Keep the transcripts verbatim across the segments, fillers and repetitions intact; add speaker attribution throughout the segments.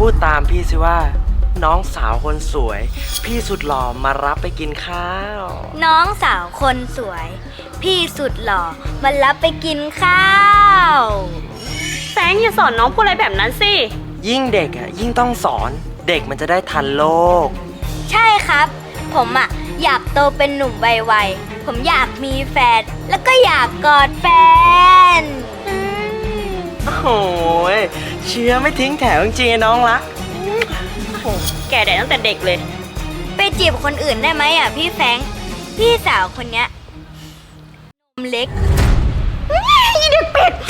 Speaker 1: พูดตามพี่สิว่าน้องสาวคนสวยพี่สุดหล่อมารับไปกินข้าว
Speaker 2: น้องสาวคนสวย พี่สุดหล่อมารับไปกินข้าว
Speaker 3: แฟงอย่าสอนน้องพูดอะไรแบบนั้นสิ
Speaker 1: ยิ่งเด็กอ่ะยิ่งต้องสอนเด็กมันจะได้ทันโลก
Speaker 2: ใช่ครับ ผมอ่ะอยากโตเป็นหนุ่มวัยๆผมอยากมีแฟนแล้วก็อยากกอดแฟน
Speaker 1: โอ้โหเชื้อไม่ทิ้งแถวจริงๆน้องรัก
Speaker 3: แก่ได้ตั้งแต่เด็กเลย
Speaker 2: ไปจีบคนอื่นได้ไหมอ่ะพี่แฟงพี่สาวคนเนี้ยนมเล็กอีเด็กเป็ด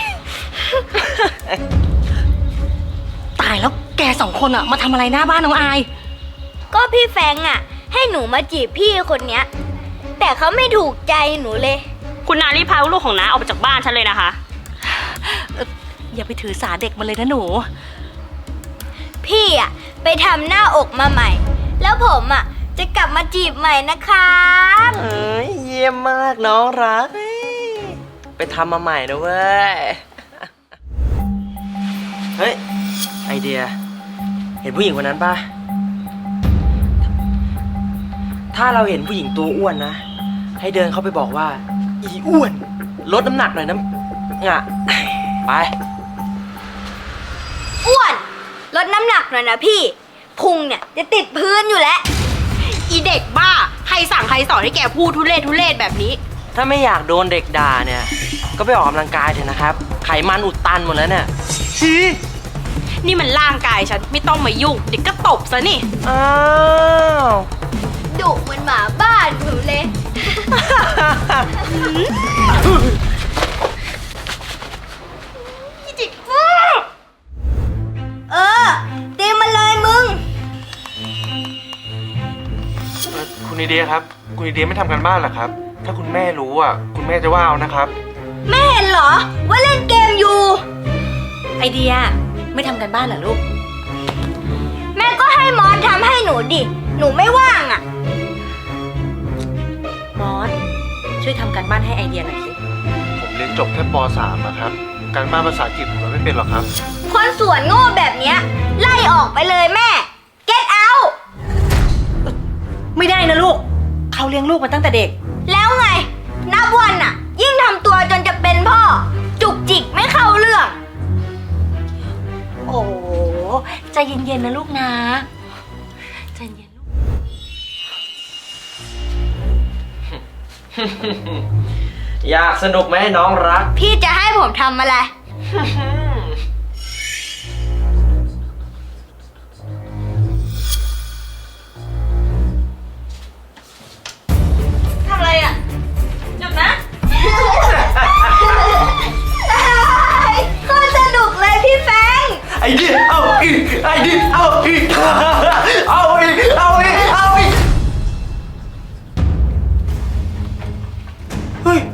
Speaker 4: ตายแล้วแกสองคนอะมาทำอะไรหน้าบ้านน้องอาย
Speaker 2: ก็พี่แฟงอ่ะให้หนูมาจีบพี่คนเนี้ยแต่เขาไม่ถูกใจหนูเลย
Speaker 3: คุณนารีพาลูกของน้าออกไปจากบ้านฉันเลยนะคะ
Speaker 4: เอ่ออย่าไปถือสาเด็กมาเลยนะหนู
Speaker 2: พี่อ่ะไปทำหน้าอกมาใหม่ แล้วผมอ่ะจะกลับมาจีบใหม่นะครับ
Speaker 1: เอ้ยเยี่ยมมากน้องรักไปทำมาใหม่นะเว้ย เฮ้ยไอเดียเห็นผู้หญิงคนนั้นปะถ้าเราเห็นผู้หญิงตัวอ้วนนะให้เดินเข้าไปบอกว่าอีอ้วนลดน้ำหนักหน่อยนะงะไป
Speaker 2: อ้วนลดน้ำหนักหน่อยนะพี่พุงเนี่ยจะติดพื้นอยู่แล้ว
Speaker 5: อีเด็กบ้าใครสั่งใครสอนให้แกพูดทุเรศทุเรศแบบนี้
Speaker 1: ถ้าไม่อยากโดนเด็กด่าเนี่ย ก็ไปออกกำลังกายเถอะนะครับ ไขมันอุดตันหมดแล้วเนี่ย
Speaker 5: นี่มันร่างกายฉันไม่ต้องมายุ่งเด็กก็ตบซะนี่
Speaker 1: อ้าว
Speaker 2: ดุเหมือนหมาบ้านหนูเลย เออตีมันเลยมึง
Speaker 6: คุณไอเดียครับ คุณไอเดียไม่ทำกันบ้านเหรอครับ ถ้าคุณแม่รู้อ่ะ คุณแม่จะว่าเอานะครับ
Speaker 2: ไม่เห็นเหรอว่าเล่นเกมอยู่
Speaker 4: ไอเดียไม่ทำกันบ้านเหรอลูก
Speaker 2: แม่ก็ให้มอสทำให้หนูดิ หนูไม่ว่างอ่ะ
Speaker 4: มอสช่วยทำกันบ้านให้ไอเดียหน่อยสิ
Speaker 6: ผมเรียนจบแค่ป .สาม อะครับ การบ้านภาษาอังกฤษผมไม่เป็นหรอกครับ
Speaker 2: คนสวนโง่แบบเนี้ยไล่ออกไปเลยแม่ get out
Speaker 4: ไม่ได้นะลูกเขาเลี้ยงลูกมาตั้งแต่เด็ก
Speaker 2: แล้วไง นับวันอ่ะ ยิ่งทำตัวจนจะเป็นพ่อ จุกจิกไม่เข้าเรื่อง
Speaker 4: โอ้ใจเย็นๆนะลูกนะใจเย็นลูก
Speaker 1: อยากสนุกไหมน้องรัก
Speaker 2: พี่จะให้ผมทำอะไร
Speaker 3: ทำอะไรอ่ะ หยุดนะ
Speaker 2: โคตรสนุกเลยพี่แฟง
Speaker 1: ไอเดียเอาอีกไอเดียเอาอีกเอาอีกเอาอีกเอาอีกเฮ้ย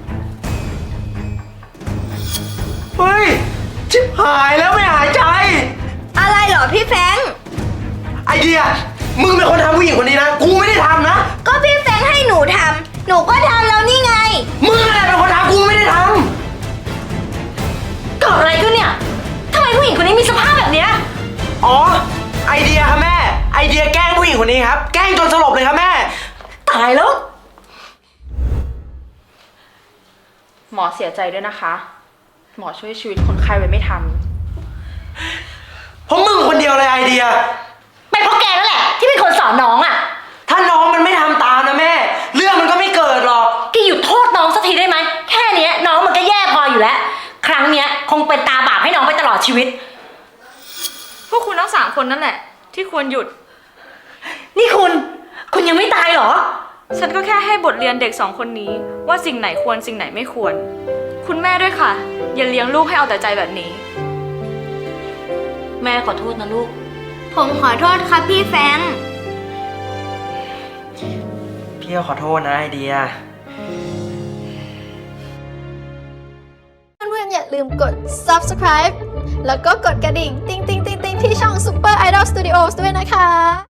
Speaker 1: เฮ้ย ชิบหายแล้วไม่หายใจ
Speaker 2: อะไรเหรอพี่แฟง
Speaker 1: ไอเดีย มึงเป็นคนทำผู้หญิงคนนี้นะ กูไม่ได้ทำนะ
Speaker 2: ก็พี่แฟงให้หนูทำ หนูก็ทำแล้วนี่ไง
Speaker 1: มึงอะไรเป็นคนทำกูไม่ได้ท
Speaker 4: เกิดอะไรขึ้นเนี่ยทำไมผู้หญิงคนนี้มีสภาพแบบเนี้ย
Speaker 1: ำอ๋อ ไอเดียครับแม่ ไอเดียแกล้งผู้หญิงคนนี้ครับ แกล้งจนสลบเลยครับแม่
Speaker 4: ตายแล้ว
Speaker 5: หมอเสียใจด้วยนะคะ หมอช่วยชีวิตคนไข้ไว้ไม่ทัน
Speaker 1: เพราะมึงคนเดียวเลยไอเดีย
Speaker 4: เป็นเพราะแกนั่นแหละ ที่เป็นคนสอนน้องอ่ะ
Speaker 1: ถ้าน้องมันไม่ทำตามนะแม่ เรื่องมันก็ไม่เกิดหรอก
Speaker 4: แกหยุดโทษน้องสักทีได้ไหมแค่เนี้ยน้องมันก็แย่พออยู่แล้ว ครั้งเนี้ยคงเป็นตาบาปให้น้องไปตลอดชีวิต
Speaker 3: พวกคุณทั้งสามคนนั่นแหละ ที่ควรหยุด
Speaker 4: นี่คุณ คุณยังไม่ตายเหรอ
Speaker 3: ฉันก็แค่ให้บทเรียนเด็กสองคนนี้ ว่าสิ่งไหนควรสิ่งไหนไม่ควร คุณแม่ด้วยค่ะ อย่าเลี้ยงลูกให้เอาแต่ใจแบบนี้
Speaker 4: แม่ขอโทษนะลูก
Speaker 2: ผมขอโทษครับพี่แฟง
Speaker 1: พี่ก็ขอโทษนะไอเดีย
Speaker 7: เพื่อนๆอย่าลืมกด ซับสไครบ์ แล้วก็กดกระดิ่ง ติ๊งติ๊งติ๊งติ๊งที่ช่อง Super Idol Studios ด้วยนะคะ